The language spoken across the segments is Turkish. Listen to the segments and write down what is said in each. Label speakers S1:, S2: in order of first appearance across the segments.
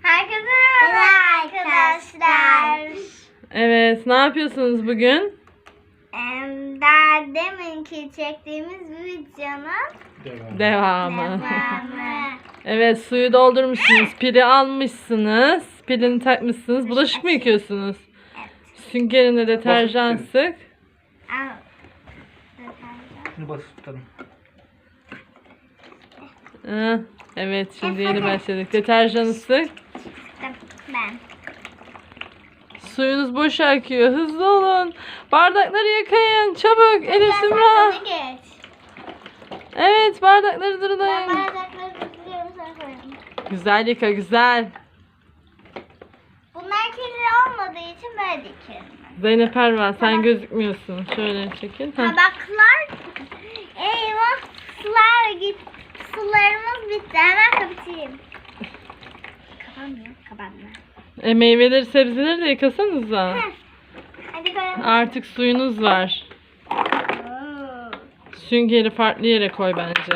S1: Herkese merhaba arkadaşlar.
S2: Evet, ne yapıyorsunuz bugün?
S1: Daha deminki çektiğimiz videonun
S2: Devamı.
S1: devamı.
S2: Evet, suyu doldurmuşsunuz, pili almışsınız, pilini takmışsınız. Bulaşık mı yıkıyorsunuz? Süngerine deterjan sık.
S1: Al.
S3: Şunu basıp tutalım.
S2: Evet, şimdi yeni başladık. Deterjanı sık.
S1: Ben.
S2: Suyunuz boş akıyor. Hızlı olun. Bardakları yıkayın. Çabuk. Elif Sümra.
S1: Sen geç.
S2: Evet, bardakları
S1: Ben
S2: durun.
S1: bardakları tutuyorum, sana koyalım.
S2: Güzel yıka, güzel.
S1: Bunlar kirli olmadığı için böyle dikiyorum.
S2: Zeynep Ervan, sen gözükmüyorsun. Şöyle çekin. Heh.
S1: Tabaklar. Eyvah. Sular git. Sularımız bitti. Hemen kapatayım. Kapanmıyor. Kapanmıyor.
S2: Meyveleri, sebzeleri de yıkasanıza.
S1: Hadi koyalım.
S2: Artık suyunuz var. Süngeri farklı yere koy bence.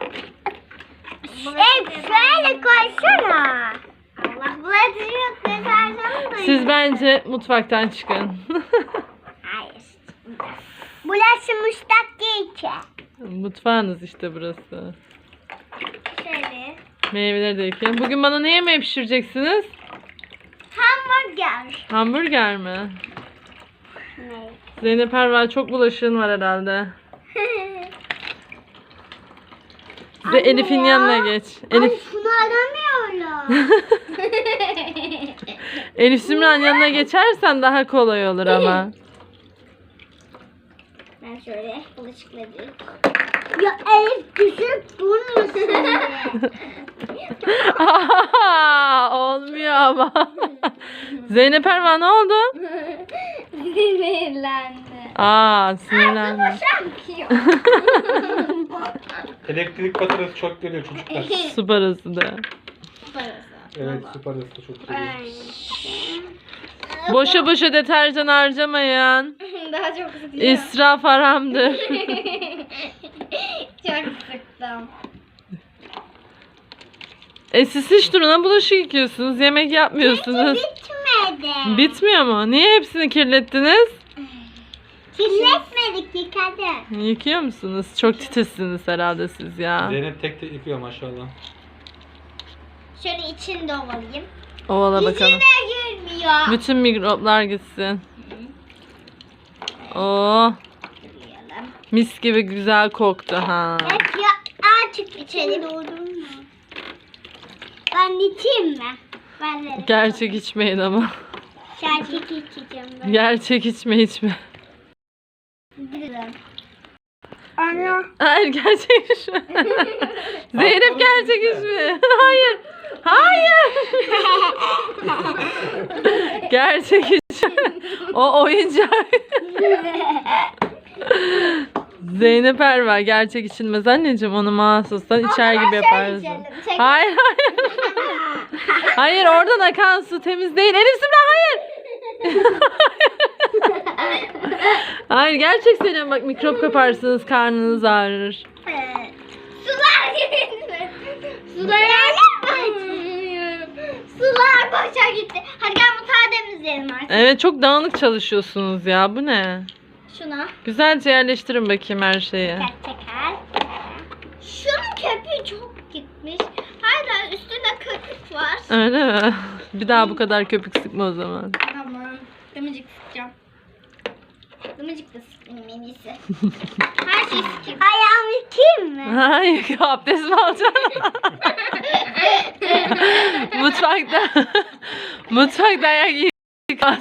S1: Şöyle koysana. Allah bulaşıcı yok. Deterjanı da
S2: Siz bence mutfaktan çıkın.
S1: Hayır. Bulaşmıştak değil ki.
S2: Mutfağınız işte burası.
S1: Şöyle.
S2: Meyveleri de yıkayın. Bugün bana ne yemeği pişireceksiniz?
S1: Hamburger.
S2: Hamburger mi?
S1: Ne?
S2: Zeynep Ervan, çok bulaşığın var herhalde. Size
S1: Anne
S2: Elif'in
S1: ya.
S2: yanına geç. Elif,
S1: Şunu aramıyorum.
S2: Elif Sümra'nın yanına geçersen daha kolay olur ama.
S1: Ben şöyle bulaşıkları. Ya Elif düşüp durmasın.
S2: Olmuyor ama. Zeynep Ervan, ne oldu?
S1: Sinirlendi.
S2: Sinirlendim.
S1: Şampiyon.
S3: Elektrik faturası çok geliyor çocuklar.
S2: Su parası da.
S3: Evet, su parası da çok geliyor.
S2: Boşa boşa deterjan harcamayın.
S1: Daha çok sıkıyor.
S2: İsraf haramdır.
S1: Çok sıktım.
S2: Siz hiç duruna bulaşık yıkıyorsunuz. Yemek yapmıyorsunuz.
S1: Bitmedi.
S2: Bitmiyor mu? Niye hepsini kirlettiniz?
S1: Kirletmedik, yıkadık.
S2: Yıkıyor musunuz? Çok titizsiniz herhalde siz ya.
S3: Zeynep tek tek yıkıyor maşallah.
S1: Şöyle içini de ovalayayım.
S2: Ovala bakalım.
S1: İçine girmiyor.
S2: Bütün mikroplar gitsin. Oo,
S1: Yıkayalım.
S2: mis gibi güzel koktu ha.
S1: Evet ya, artık içeri doldurma. Ben içeyim mi? Ben de.
S2: Gerçek içmeyin ama.
S1: Gerçek içeceğim ben.
S2: Gerçek içme.
S1: Ana.
S2: Hayır, gerçek içme. Zeynep, gerçek içme. Hayır. Hayır. Gerçek içme. O oyuncak. Zeynep Ervan, gerçek içilmez anneciğim, onu mahsustan içer gibi yaparsın. Hayır. Hayır, oradan akan su temiz değil. Elif Sümra, hayır. Hayır, gerçek söylüyorum, bak mikrop kaparsınız, karnınız ağrır.
S1: Sular gitti. Sular boşa gitti. Hadi gel mutfağı temizleyelim artık.
S2: Evet, çok dağınık çalışıyorsunuz ya, bu ne?
S1: Şuna.
S2: Güzelce yerleştirin bakayım her şeyi.
S1: Teker. Şunun köpüğü çok gitmiş. Hala üstünde köpük var.
S2: Öyle mi? Bir daha bu kadar köpük sıkma o zaman.
S1: Tamam. Dımıcık sıkacağım. Dımıcık da sıkayım en iyisi. Her şeyi sıkayım. Ayağımı yıkayayım mı?
S2: Hayır, abdest mi alacaksın? Mutfakta ayak yıkaz.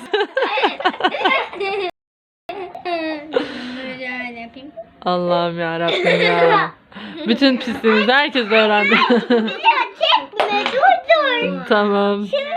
S1: Böyle yapayım.
S2: Allah'ım ya Rabbim ya. Bütün pisliğinizi herkes öğrendi.
S1: Ya çekme, dur.
S2: Tamam.